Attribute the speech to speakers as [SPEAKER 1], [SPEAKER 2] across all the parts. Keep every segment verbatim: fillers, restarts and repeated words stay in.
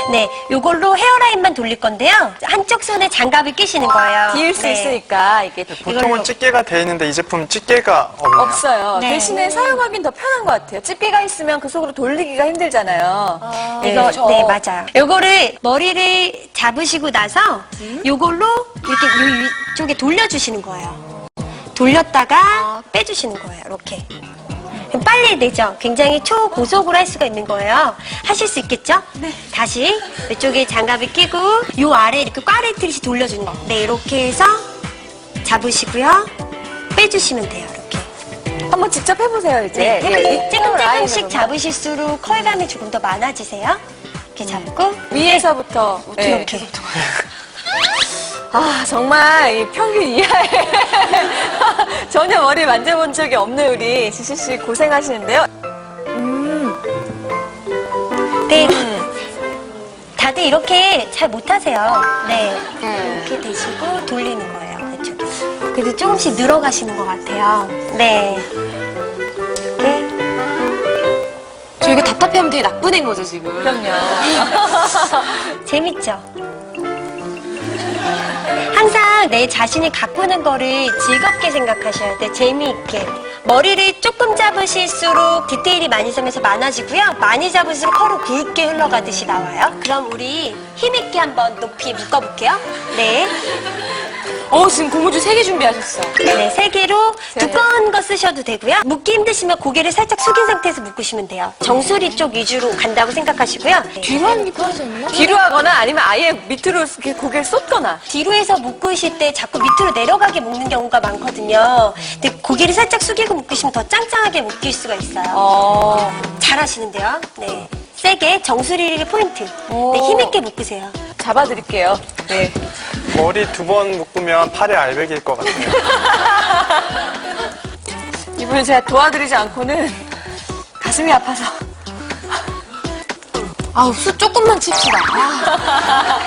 [SPEAKER 1] 네, 요걸로 헤어라인만 돌릴 건데요. 한쪽 손에 장갑을 끼시는 거예요.
[SPEAKER 2] 뒤일 수
[SPEAKER 1] 네.
[SPEAKER 2] 있으니까 이게 더
[SPEAKER 3] 보통은 집게가 돼 있는데 이 제품은 집게가 없네요.
[SPEAKER 2] 없어요.
[SPEAKER 1] 네.
[SPEAKER 2] 대신에 사용하긴 더 편한 것 같아요. 집게가 있으면 그 속으로 돌리기가 힘들잖아요.
[SPEAKER 1] 아,
[SPEAKER 2] 네,
[SPEAKER 1] 이거,
[SPEAKER 2] 저-
[SPEAKER 1] 네, 맞아요. 요거를 머리를 잡으시고 나서 요걸로 이렇게 요 위쪽에 돌려주시는 거예요. 돌렸다가 빼주시는 거예요. 이렇게. 그럼 빨리 내죠. 굉장히 초고속으로 할 수가 있는 거예요. 하실 수 있겠죠? 네. 다시 이쪽에 장갑을 끼고 요 아래 이렇게 꽈레트리시 돌려주는 거. 네, 이렇게 해서 잡으시고요. 빼주시면 돼요. 이렇게.
[SPEAKER 2] 한번 직접 해보세요, 이제.
[SPEAKER 1] 네,
[SPEAKER 2] 예,
[SPEAKER 1] 해볼게요. 조금 조금씩
[SPEAKER 2] 라인으로만.
[SPEAKER 1] 잡으실수록 컬감이 조금 더 많아지세요. 이렇게 잡고
[SPEAKER 2] 위에서부터. 네.
[SPEAKER 1] 이렇게.
[SPEAKER 2] 아, 정말 이 평균 이하에 전혀 머리 만져본 적이 없는 우리 지시 씨 고생하시는데요.
[SPEAKER 1] 네. 다들 이렇게 잘 못하세요. 네. 이렇게 되시고 돌리는 거예요. 이쪽에서. 그래도 조금씩 늘어가시는 것 같아요. 네. 이렇게.
[SPEAKER 4] 저 이거 답답해하면 되게 나쁜 애인 거죠, 지금.
[SPEAKER 2] 그럼요.
[SPEAKER 1] 재밌죠? 항상 내 자신이 가꾸는 거를 즐겁게 생각하셔야 돼요. 재미있게. 머리를 조금 잡으실수록 디테일이 많이 서면서 많아지고요. 많이 잡을수록 컬은 굵게 흘러가듯이 나와요. 그럼 우리 힘있게 한번 높이 묶어볼게요. 네.
[SPEAKER 4] 어, 지금 고무줄 세 개 준비하셨어.
[SPEAKER 1] 네, 세 개로 두꺼운 거 쓰셔도 되고요. 묶기 힘드시면 고개를 살짝 숙인 상태에서 묶으시면 돼요. 정수리 쪽 위주로 간다고 생각하시고요. 네.
[SPEAKER 4] 뒤로 하는 게 편하지 않나?
[SPEAKER 2] 뒤로 하거나 아니면 아예 밑으로 이렇게 고개를 쏟거나.
[SPEAKER 1] 뒤로 해서 묶으실 때 자꾸 밑으로 내려가게 묶는 경우가 많거든요. 근데 고개를 살짝 숙이고 묶으시면 더 짱짱하게 묶일 수가 있어요.
[SPEAKER 2] 어.
[SPEAKER 1] 잘하시는데요. 네. 세게 정수리를 포인트.
[SPEAKER 2] 오.
[SPEAKER 1] 네, 힘있게 묶으세요.
[SPEAKER 2] 잡아드릴게요. 네.
[SPEAKER 3] 머리 두 번 묶으면 팔에 알배기일 것 같아요.
[SPEAKER 2] 이분을 제가 도와드리지 않고는 가슴이 아파서.
[SPEAKER 4] 아우, 수 조금만 칩시다. 아.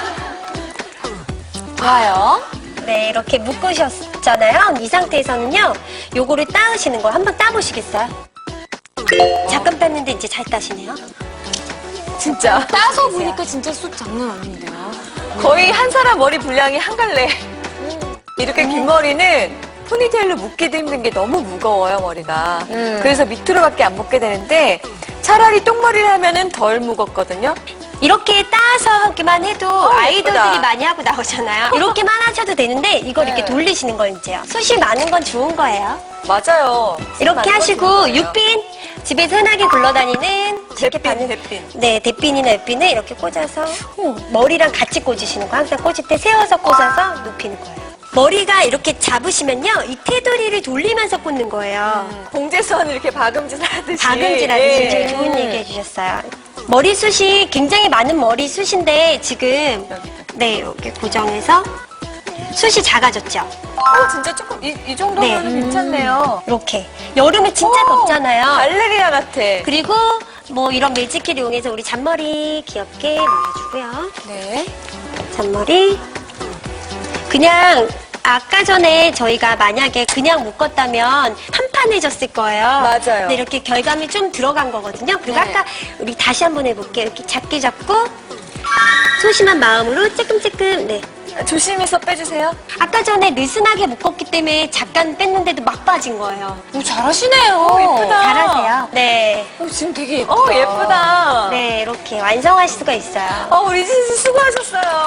[SPEAKER 2] 좋아요.
[SPEAKER 1] 네, 이렇게 묶으셨잖아요. 이 상태에서는요, 요거를 따으시는 거예요. 한번 따보시겠어요? 잠깐 땄는데 이제 잘 따시네요.
[SPEAKER 2] 진짜.
[SPEAKER 4] 따서 보니까 진짜 수 장난 아닌데요.
[SPEAKER 2] 거의 한 사람 머리 분량이 한 갈래. 이렇게 긴 머리는 포니테일로 묶기도 힘든 게 너무 무거워요, 머리가. 그래서 밑으로밖에 안 묶게 되는데 차라리 똥머리를 하면은 덜 무겁거든요.
[SPEAKER 1] 이렇게 따서 하기만 해도
[SPEAKER 2] 어,
[SPEAKER 1] 아이돌들이
[SPEAKER 2] 예쁘다.
[SPEAKER 1] 많이 하고 나오잖아요. 이렇게만 하셔도 되는데 이걸 이렇게
[SPEAKER 2] 네.
[SPEAKER 1] 돌리시는 거 이제요. 숱이 많은 건 좋은 거예요.
[SPEAKER 2] 맞아요.
[SPEAKER 1] 이렇게
[SPEAKER 2] 많이
[SPEAKER 1] 하시고
[SPEAKER 2] 거거든요.
[SPEAKER 1] 육빈 집에서 흔하게 굴러다니는 이렇게
[SPEAKER 2] 대핀,
[SPEAKER 1] 받는-
[SPEAKER 2] 대핀.
[SPEAKER 1] 네, 대핀이나 옆핀을 이렇게 꽂아서 머리랑 같이 꽂으시는 거. 항상 꽂을 때 세워서 꽂아서 눕히는 거예요. 머리가 이렇게 잡으시면요, 이 테두리를 돌리면서 꽂는 거예요.
[SPEAKER 2] 봉제선 이렇게 박음질 하듯이.
[SPEAKER 1] 박음질 하듯이
[SPEAKER 2] 예.
[SPEAKER 1] 제일 좋은 얘기 해주셨어요. 머리숱이 굉장히 많은 머리숱인데 지금 네, 이렇게 고정해서 숱이 작아졌죠.
[SPEAKER 2] 어, 진짜 조금 이, 이 정도면
[SPEAKER 1] 네.
[SPEAKER 2] 괜찮네요.
[SPEAKER 1] 이렇게 여름에 진짜
[SPEAKER 2] 오,
[SPEAKER 1] 덥잖아요.
[SPEAKER 2] 발레리나 같아.
[SPEAKER 1] 그리고 뭐 이런 매직키를 이용해서 우리 잔머리 귀엽게 말아주고요.
[SPEAKER 2] 네.
[SPEAKER 1] 잔머리 그냥 아까 전에 저희가 만약에 그냥 묶었다면 판판해졌을 거예요.
[SPEAKER 2] 맞아요.
[SPEAKER 1] 근데 이렇게 결감이 좀 들어간 거거든요. 그리고
[SPEAKER 2] 네.
[SPEAKER 1] 아까 우리 다시 한번 해볼게요. 이렇게 작게 잡고 소심한 마음으로 쬐끔쬐끔. 네.
[SPEAKER 2] 조심해서 빼주세요.
[SPEAKER 1] 아까 전에 느슨하게 묶었기 때문에 잠깐 뺐는데도 막 빠진 거예요.
[SPEAKER 4] 오, 잘하시네요.
[SPEAKER 2] 예쁘다.
[SPEAKER 1] 잘하세요. 네.
[SPEAKER 4] 어, 지금 되게 예쁘다.
[SPEAKER 2] 어, 예쁘다.
[SPEAKER 1] 네, 이렇게 완성하실 수가 있어요.
[SPEAKER 2] 어, 우리 진씨 수고하셨어요.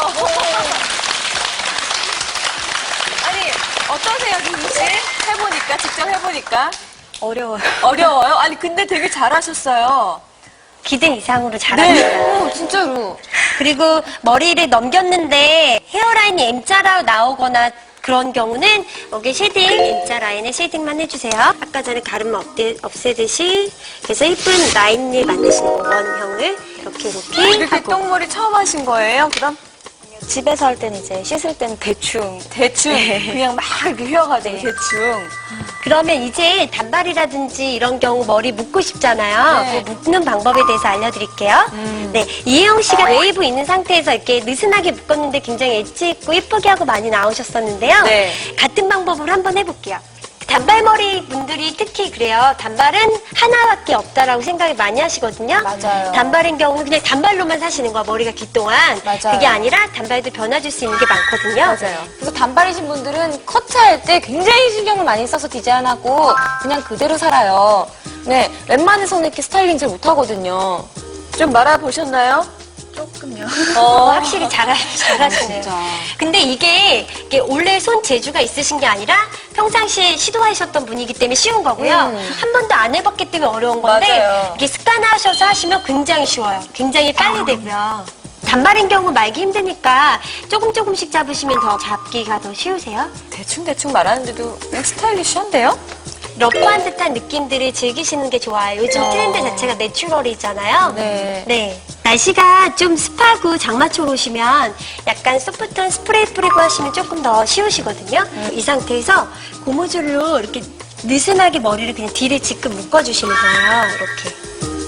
[SPEAKER 2] 아니, 어떠세요, 진씨? 해보니까, 직접 해보니까.
[SPEAKER 1] 어려워요.
[SPEAKER 2] 어려워요? 아니, 근데 되게 잘하셨어요.
[SPEAKER 1] 기대 이상으로 잘하셨어요.
[SPEAKER 4] 오, 진짜로.
[SPEAKER 1] 그리고 머리를 넘겼는데 헤어라인이 M자로 나오거나 그런 경우는 여기 쉐딩, M자 라인에 쉐딩만 해주세요. 아까 전에 가름 없애, 없애듯이 그래서 예쁜 라인을 만드시는 거, 원형을 이렇게 이렇게
[SPEAKER 2] 이렇게
[SPEAKER 1] 하고.
[SPEAKER 2] 똥머리 처음 하신 거예요, 그럼?
[SPEAKER 5] 집에서 할 때는 이제 씻을 때는 대충
[SPEAKER 2] 대충, 그냥 막 이렇게 휘어가지고, 대충.
[SPEAKER 1] 그러면 이제 단발이라든지 이런 경우 머리 묶고 싶잖아요.
[SPEAKER 2] 네.
[SPEAKER 1] 그 묶는 방법에 대해서 알려드릴게요. 네, 이혜영 씨가 웨이브 있는 상태에서 이렇게 느슨하게 묶었는데 굉장히 엣지 있고 예쁘게 하고 많이 나오셨었는데요.
[SPEAKER 2] 네.
[SPEAKER 1] 같은 방법으로 한번 해볼게요. 단발머리 분들이 특히 그래요. 단발은 하나밖에 없다라고 생각이 많이 하시거든요.
[SPEAKER 5] 맞아요.
[SPEAKER 1] 단발인 경우는 그냥 단발로만 사시는 거야. 머리가 긴 동안.
[SPEAKER 5] 맞아요.
[SPEAKER 1] 그게 아니라 단발도 변화줄 수 있는 게 많거든요.
[SPEAKER 2] 맞아요.
[SPEAKER 5] 그래서 단발이신 분들은 커트할 때 굉장히 신경을 많이 써서 디자인하고 그냥 그대로 살아요. 네, 웬만해서는 이렇게 스타일링 잘 못하거든요.
[SPEAKER 2] 좀 말아보셨나요?
[SPEAKER 5] 조금요.
[SPEAKER 1] 어, 확실히 잘하, 잘하시네요.
[SPEAKER 5] 진짜.
[SPEAKER 1] 근데 이게, 이게 원래 손 재주가 있으신 게 아니라 평상시에 시도하셨던 분이기 때문에 쉬운 거고요.
[SPEAKER 5] 음.
[SPEAKER 1] 한 번도 안 해봤기 때문에 어려운 건데
[SPEAKER 2] 맞아요.
[SPEAKER 1] 이게 습관하셔서 하시면 굉장히 쉬워요. 굉장히 빨리 되고요. 단발인 경우 말기 힘드니까 조금 조금씩 잡으시면 더 잡기가 더 쉬우세요.
[SPEAKER 2] 대충대충 말하는데도 그냥 스타일리시한데요?
[SPEAKER 1] 러프한 듯한 느낌들을 즐기시는 게 좋아요. 요즘 트렌드 자체가 내추럴이잖아요.
[SPEAKER 5] 네.
[SPEAKER 1] 네. 날씨가 좀 습하고 장마철 오시면 약간 소프트한 스프레이 뿌리고 하시면 조금 더 쉬우시거든요. 이 상태에서 고무줄로 이렇게 느슨하게 머리를 그냥 뒤를 지금 묶어주시는 거예요. 이렇게.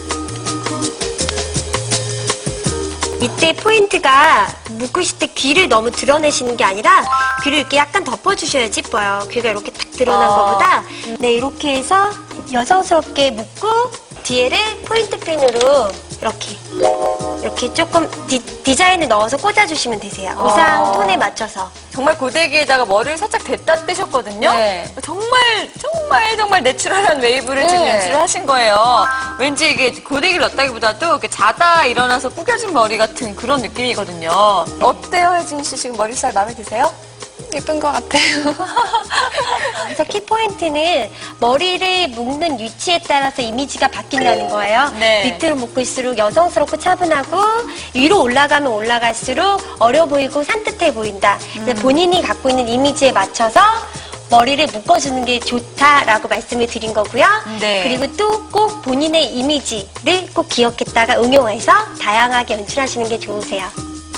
[SPEAKER 1] 이때 포인트가 묶으실 때 귀를 너무 드러내시는 게 아니라 귀를 이렇게 약간 덮어주셔야지 이뻐요. 귀가 이렇게 탁 드러난
[SPEAKER 2] 아.
[SPEAKER 1] 것보다 네 이렇게 해서 여성스럽게 묶고 뒤에를 포인트 핀으로 이렇게 이렇게 조금 디, 자인을 넣어서 꽂아주시면 되세요. 의상 톤에 맞춰서.
[SPEAKER 2] 정말 고데기에다가 머리를 살짝 댔다 떼셨거든요.
[SPEAKER 5] 네.
[SPEAKER 2] 정말 정말 정말 내추럴한 웨이브를
[SPEAKER 5] 네.
[SPEAKER 2] 지금 연출을 하신 거예요. 왠지 이게 고데기를 넣었다기보다도 이렇게 자다 일어나서 구겨진 머리 같은 그런 느낌이거든요. 어때요, 혜진 씨? 지금 머리 스타일 마음에 드세요?
[SPEAKER 5] 예쁜 것 같아요.
[SPEAKER 1] 그래서 키포인트는 머리를 묶는 위치에 따라서 이미지가 바뀐다는 거예요.
[SPEAKER 2] 네.
[SPEAKER 1] 밑으로 묶을수록 여성스럽고 차분하고 위로 올라가면 올라갈수록 어려 보이고 산뜻해 보인다. 그래서 본인이 갖고 있는 이미지에 맞춰서 머리를 묶어주는 게 좋다라고 말씀을 드린 거고요.
[SPEAKER 2] 네.
[SPEAKER 1] 그리고 또 꼭 본인의 이미지를 꼭 기억했다가 응용해서 다양하게 연출하시는 게 좋으세요.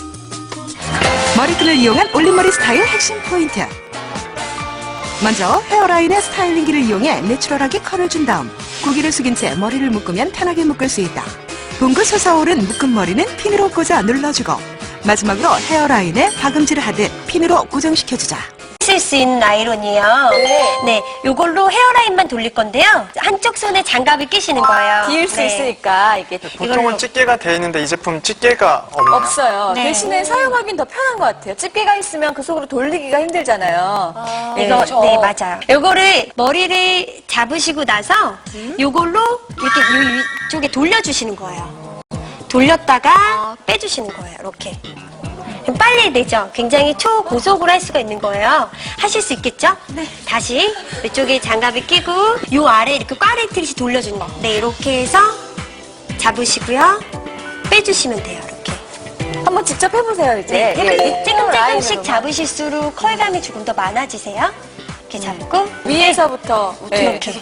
[SPEAKER 6] 머리끈을 이용한 올림머리 스타일 핵심 포인트. 먼저 헤어라인의 스타일링기를 이용해 내추럴하게 컬을 준 다음 고개를 숙인 채 머리를 묶으면 편하게 묶을 수 있다. 붕긋 솟아오른 묶은 머리는 핀으로 꽂아 눌러주고 마지막으로 헤어라인에 박음질을 하듯 핀으로 고정시켜주자.
[SPEAKER 1] 쓸 수 있는 아이론이에요.
[SPEAKER 2] 네.
[SPEAKER 1] 네, 요걸로 헤어라인만 돌릴 건데요. 한쪽 손에 장갑을 끼시는 거예요.
[SPEAKER 2] 뒤일 수
[SPEAKER 1] 네.
[SPEAKER 2] 있으니까 이게
[SPEAKER 3] 보통은 집게가 돼 있는데 이 제품 집게가 없나요?
[SPEAKER 2] 없어요.
[SPEAKER 1] 네.
[SPEAKER 2] 대신에 사용하긴 더 편한 것 같아요. 집게가 있으면 그 속으로 돌리기가 힘들잖아요.
[SPEAKER 1] 이거
[SPEAKER 5] 그렇죠.
[SPEAKER 1] 네 맞아요. 요거를 머리를 잡으시고 나서 요걸로 이렇게 요 위쪽에 돌려주시는 거예요. 돌렸다가 빼주시는 거예요. 이렇게. 그럼 빨리 되죠. 굉장히 초고속으로 할 수가 있는 거예요. 하실 수 있겠죠? 네. 다시 이쪽에 장갑을 끼고 요 아래 이렇게 꽈레트리시 돌려주는 거. 네 이렇게 해서 잡으시고요. 빼주시면 돼요. 이렇게.
[SPEAKER 2] 한번 직접 해보세요, 이제.
[SPEAKER 1] 네,
[SPEAKER 2] 예,
[SPEAKER 1] 조금 조금
[SPEAKER 2] 라인으로만.
[SPEAKER 1] 조금씩 잡으실수록 컬감이 조금 더 많아지세요. 이렇게 잡고
[SPEAKER 2] 위에서부터. 네.
[SPEAKER 1] 이렇게.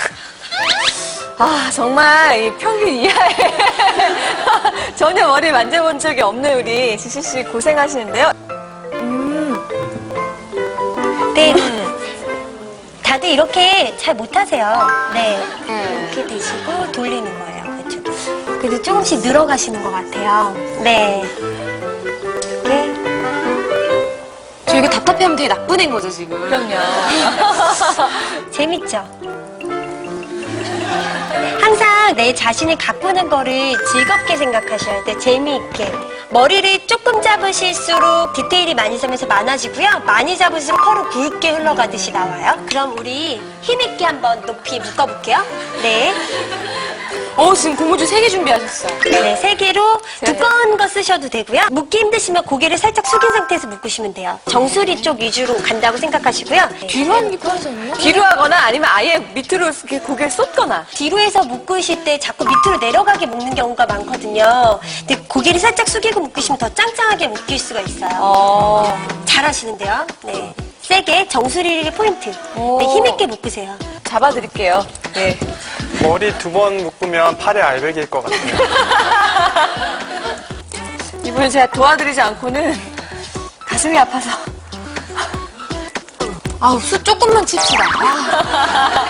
[SPEAKER 2] 아, 정말 이 평균 이하에 전혀 머리 만져본 적이 없는 우리 지시 씨 고생하시는데요.
[SPEAKER 1] 네. 다들 이렇게 잘 못하세요. 네. 이렇게 되시고 돌리는 거예요. 그쪽에. 그래도 조금씩 늘어가시는 것 같아요. 네. 이렇게.
[SPEAKER 4] 저 이거 답답해하면 되게 나쁜 애인 거죠, 지금.
[SPEAKER 2] 그럼요.
[SPEAKER 1] 재밌죠? 항상 내 자신을 가꾸는 거를 즐겁게 생각하셔야 돼. 재미있게. 머리를 조금 잡으실수록 디테일이 많이 잡면서 많아지고요. 많이 잡을수록 컬은 굵게 흘러가듯이 나와요. 그럼 우리 힘있게 한번 높이 묶어볼게요. 네.
[SPEAKER 4] 어, 지금 고무줄 세 개 준비하셨어요.
[SPEAKER 1] 네, 세 개로 두꺼운 거 쓰셔도 되고요. 묶기 힘드시면 고개를 살짝 숙인 상태에서 묶으시면 돼요. 정수리 쪽 위주로 간다고 생각하시고요. 네.
[SPEAKER 4] 뒤로 하는 게 편하지 않나요?
[SPEAKER 2] 뒤로 하거나 아니면 아예 밑으로 이렇게 고개를 쏟거나.
[SPEAKER 1] 뒤로 해서 묶으실 때 자꾸 밑으로 내려가게 묶는 경우가 많거든요. 근데 고개를 살짝 숙이고 묶으시면 더 짱짱하게 묶일 수가 있어요.
[SPEAKER 2] 어.
[SPEAKER 1] 잘하시는데요. 네. 세게 정수리를 포인트. 네, 힘있게 묶으세요.
[SPEAKER 2] 잡아드릴게요. 네.
[SPEAKER 3] 머리 두 번 묶으면 팔에 알배기일 것 같아요.
[SPEAKER 2] 이분은 제가 도와드리지 않고는 가슴이 아파서.
[SPEAKER 4] 아우, 수 조금만 칩시다. 아.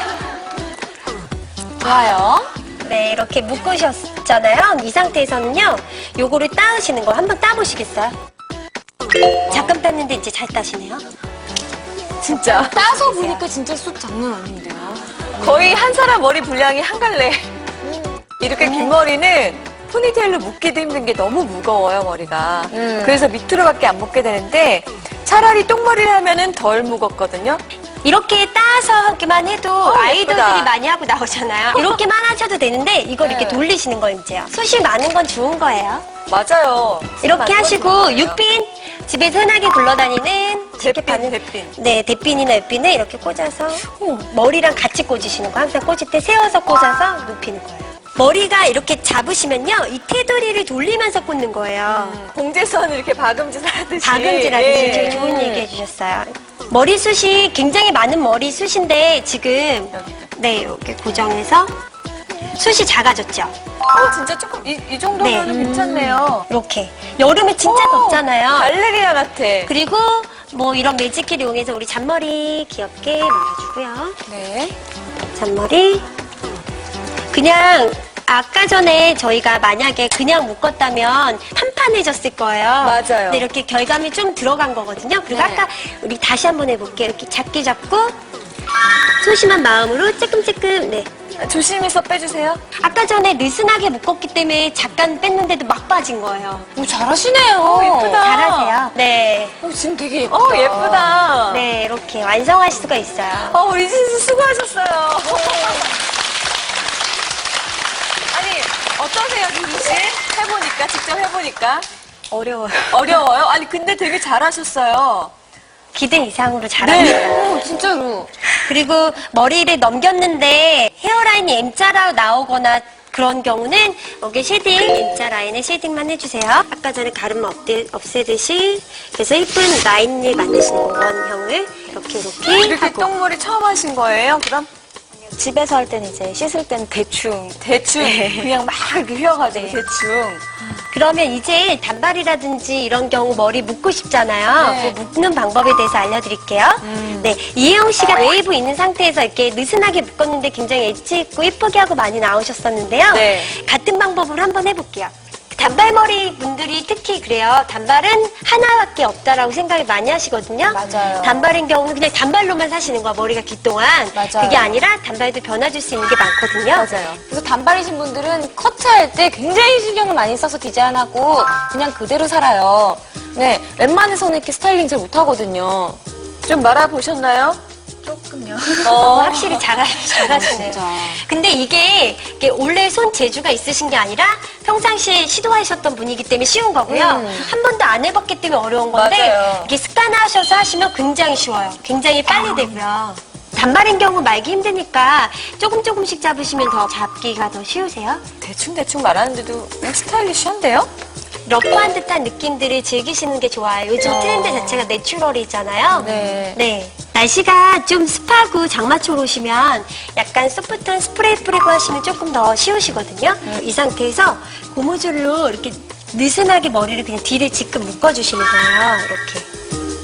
[SPEAKER 4] 좋아요.
[SPEAKER 1] 네, 이렇게 묶으셨잖아요. 이 상태에서는요, 요거를 따으시는 거 한번 따보시겠어요? 잠깐 땄는데 이제 잘 따시네요.
[SPEAKER 2] 진짜.
[SPEAKER 5] 따서 보니까 진짜 숱 장난 아닌데요.
[SPEAKER 2] 거의 한 사람 머리 분량이 한 갈래. 이렇게 긴 머리는 포니테일로 묶기도 힘든 게 너무 무거워요, 머리가.
[SPEAKER 5] 음.
[SPEAKER 2] 그래서 밑으로밖에 안 묶게 되는데 차라리 똥머리를 하면은 덜 무겁거든요.
[SPEAKER 1] 이렇게 따서 하기만 해도 아이돌들이
[SPEAKER 2] 예쁘다.
[SPEAKER 1] 많이 하고 나오잖아요. 이렇게만 하셔도 되는데 이걸 이렇게
[SPEAKER 2] 네.
[SPEAKER 1] 돌리시는 거 이제요. 숱이 많은 건 좋은 거예요.
[SPEAKER 2] 맞아요.
[SPEAKER 1] 이렇게 하시고 육핀 집에서 흔하게 굴러다니는 이렇게
[SPEAKER 2] 대핀,
[SPEAKER 1] 받는
[SPEAKER 2] 대핀.
[SPEAKER 1] 네 대핀이나 옆핀을 이렇게 꽂아서 머리랑 같이 꽂으시는 거. 항상 꽂을 때 세워서 꽂아서 눕히는 거예요. 머리가 이렇게 잡으시면요 이 테두리를 돌리면서 꽂는 거예요.
[SPEAKER 2] 봉제선을 이렇게 박음질 하듯이.
[SPEAKER 1] 박음질하듯이
[SPEAKER 2] 예.
[SPEAKER 1] 되게 좋은 얘기 해주셨어요. 머리숱이 굉장히 많은 머리숱인데 지금 네 이렇게 고정해서 숱이 작아졌죠.
[SPEAKER 2] 어, 진짜 조금 이, 이 정도면
[SPEAKER 1] 네.
[SPEAKER 2] 괜찮네요.
[SPEAKER 1] 이렇게 여름에 진짜
[SPEAKER 2] 오,
[SPEAKER 1] 덥잖아요.
[SPEAKER 2] 발레리나 같아.
[SPEAKER 1] 그리고 뭐 이런 매직키를 이용해서 우리 잔머리 귀엽게 말아주고요.
[SPEAKER 2] 네.
[SPEAKER 1] 잔머리 그냥 아까 전에 저희가 만약에 그냥 묶었다면 판판해졌을 거예요.
[SPEAKER 2] 맞아요.
[SPEAKER 1] 근데 이렇게 결감이 좀 들어간 거거든요. 그리고
[SPEAKER 5] 네.
[SPEAKER 1] 아까 우리 다시 한번 해볼게요. 이렇게 작게 잡고 소심한 마음으로 찔끔찔끔. 네.
[SPEAKER 2] 조심해서 빼주세요.
[SPEAKER 1] 아까 전에 느슨하게 묶었기 때문에 잠깐 뺐는데도 막 빠진 거예요.
[SPEAKER 5] 오, 잘하시네요.
[SPEAKER 2] 어, 예쁘다.
[SPEAKER 1] 잘하세요. 네.
[SPEAKER 5] 오, 지금 되게 예쁘다.
[SPEAKER 2] 어, 예쁘다.
[SPEAKER 1] 네, 이렇게 완성할 수가 있어요.
[SPEAKER 2] 어, 우리 진수 수고하셨어요. 아니, 어떠세요, 진수 씨? 해보니까, 직접 해보니까?
[SPEAKER 1] 어려워요.
[SPEAKER 2] 어려워요? 아니, 근데 되게 잘하셨어요.
[SPEAKER 1] 기대 이상으로 잘합니다.
[SPEAKER 5] 오, 진짜로.
[SPEAKER 1] 그리고 머리를 넘겼는데 헤어라인이 M자로 나오거나 그런 경우는 여기 쉐딩, M자 라인에 쉐딩만 해주세요. 아까 전에 가름 없대, 없애듯이 그래서 예쁜 라인을 만드시는 거, 원형을 이렇게 이렇게,
[SPEAKER 2] 이렇게
[SPEAKER 1] 하고.
[SPEAKER 2] 똥머리 처음 하신 거예요, 그럼?
[SPEAKER 5] 집에서 할 때는 이제 씻을 때는 대충.
[SPEAKER 2] 대충, 그냥 막 이렇게 휘어가지고,
[SPEAKER 1] 네.
[SPEAKER 2] 대충.
[SPEAKER 1] 그러면 이제 단발이라든지 이런 경우 머리 묶고 싶잖아요.
[SPEAKER 2] 네.
[SPEAKER 1] 그 묶는 방법에 대해서 알려드릴게요. 네, 이혜영 씨가 웨이브 있는 상태에서 이렇게 느슨하게 묶었는데 굉장히 엣지 있고 예쁘게 하고 많이 나오셨었는데요.
[SPEAKER 2] 네.
[SPEAKER 1] 같은 방법으로 한번 해볼게요. 단발머리 분들이 특히 그래요. 단발은 하나밖에 없다라고 생각을 많이 하시거든요.
[SPEAKER 5] 맞아요.
[SPEAKER 1] 단발인 경우는 그냥 단발로만 사시는 거야, 머리가 길 동안.
[SPEAKER 5] 맞아요.
[SPEAKER 1] 그게 아니라 단발도 변화줄 수 있는 게 많거든요.
[SPEAKER 2] 맞아요.
[SPEAKER 5] 그래서 단발이신 분들은 커트할 때 굉장히 신경을 많이 써서 디자인하고 그냥 그대로 살아요. 네, 웬만해서는 이렇게 스타일링 잘 못하거든요.
[SPEAKER 2] 좀 말아보셨나요?
[SPEAKER 5] 조금요.
[SPEAKER 1] 어, 확실히 잘하, 잘하시네요.
[SPEAKER 5] 진짜.
[SPEAKER 1] 근데 이게, 이게 원래 손 재주가 있으신 게 아니라 평상시에 시도하셨던 분이기 때문에 쉬운 거고요.
[SPEAKER 5] 음.
[SPEAKER 1] 한 번도 안 해봤기 때문에 어려운 건데
[SPEAKER 2] 맞아요.
[SPEAKER 1] 이게 습관하셔서 하시면 굉장히 쉬워요. 굉장히 빨리 되고요. 단발인 경우 말기 힘드니까 조금 조금씩 잡으시면 더 잡기가 더 쉬우세요.
[SPEAKER 2] 대충대충 말하는데도 스타일리시한데요?
[SPEAKER 1] 러프한 듯한 느낌들을 즐기시는 게 좋아요. 요즘 트렌드 자체가 내추럴이잖아요.
[SPEAKER 5] 네.
[SPEAKER 1] 네. 날씨가 좀 습하고 장마철 오시면 약간 소프트한 스프레이 뿌리고 하시면 조금 더 쉬우시거든요. 이 상태에서 고무줄로 이렇게 느슨하게 머리를 그냥 뒤를 지금 묶어주시는 거예요. 이렇게.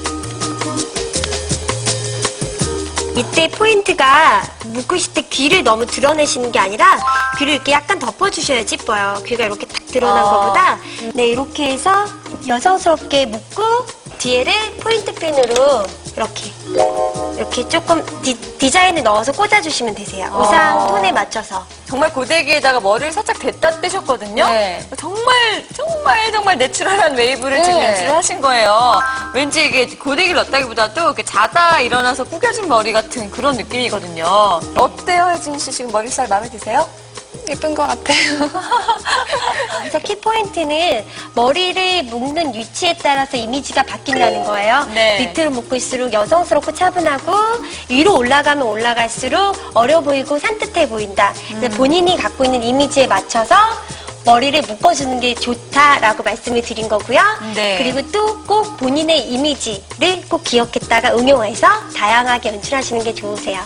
[SPEAKER 1] 이때 포인트가 묶으실 때 귀를 너무 드러내시는 게 아니라 귀를 이렇게 약간 덮어주셔야지 이뻐요. 귀가 이렇게 딱 드러난
[SPEAKER 2] 어.
[SPEAKER 1] 것보다 네 이렇게 해서 여성스럽게 묶고 뒤에를 포인트 핀으로 이렇게 이렇게 조금 디, 디자인을 넣어서 꽂아주시면 되세요. 의상
[SPEAKER 2] 어.
[SPEAKER 1] 톤에 맞춰서.
[SPEAKER 2] 정말 고데기에다가 머리를 살짝 댔다 떼셨거든요.
[SPEAKER 5] 네.
[SPEAKER 2] 정말 정말 정말 내추럴한 웨이브를
[SPEAKER 5] 네.
[SPEAKER 2] 지금 연출을 하신 거예요. 왠지 이게 고데기를 넣었다기보다도 이렇게 자다 일어나서 구겨진 머리 같은 그런 느낌이거든요. 어때요, 혜진 씨 지금 머리 스타일 마음에 드세요?
[SPEAKER 4] 예쁜 것 같아요.
[SPEAKER 1] 그래서 키포인트는 머리를 묶는 위치에 따라서 이미지가 바뀐다는 거예요.
[SPEAKER 2] 네.
[SPEAKER 1] 밑으로 묶을수록 여성스럽고 차분하고 위로 올라가면 올라갈수록 어려 보이고 산뜻해 보인다. 그래서 본인이 갖고 있는 이미지에 맞춰서 머리를 묶어주는 게 좋다라고 말씀을 드린 거고요.
[SPEAKER 2] 네.
[SPEAKER 1] 그리고 또 꼭 본인의 이미지를 꼭 기억했다가 응용해서 다양하게 연출하시는 게 좋으세요.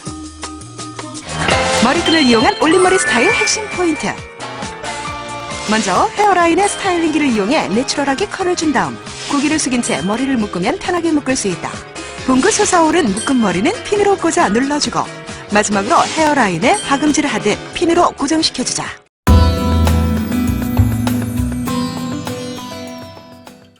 [SPEAKER 6] 머리끈을 이용한 올림머리 스타일 핵심 포인트. 먼저 헤어라인에 스타일링기를 이용해 내추럴하게 컬을 준 다음 고기를 숙인 채 머리를 묶으면 편하게 묶을 수 있다. 봉긋 솟아오른 묶은 머리는 핀으로 꽂아 눌러주고 마지막으로 헤어라인에 박음질을 하듯 핀으로 고정시켜주자.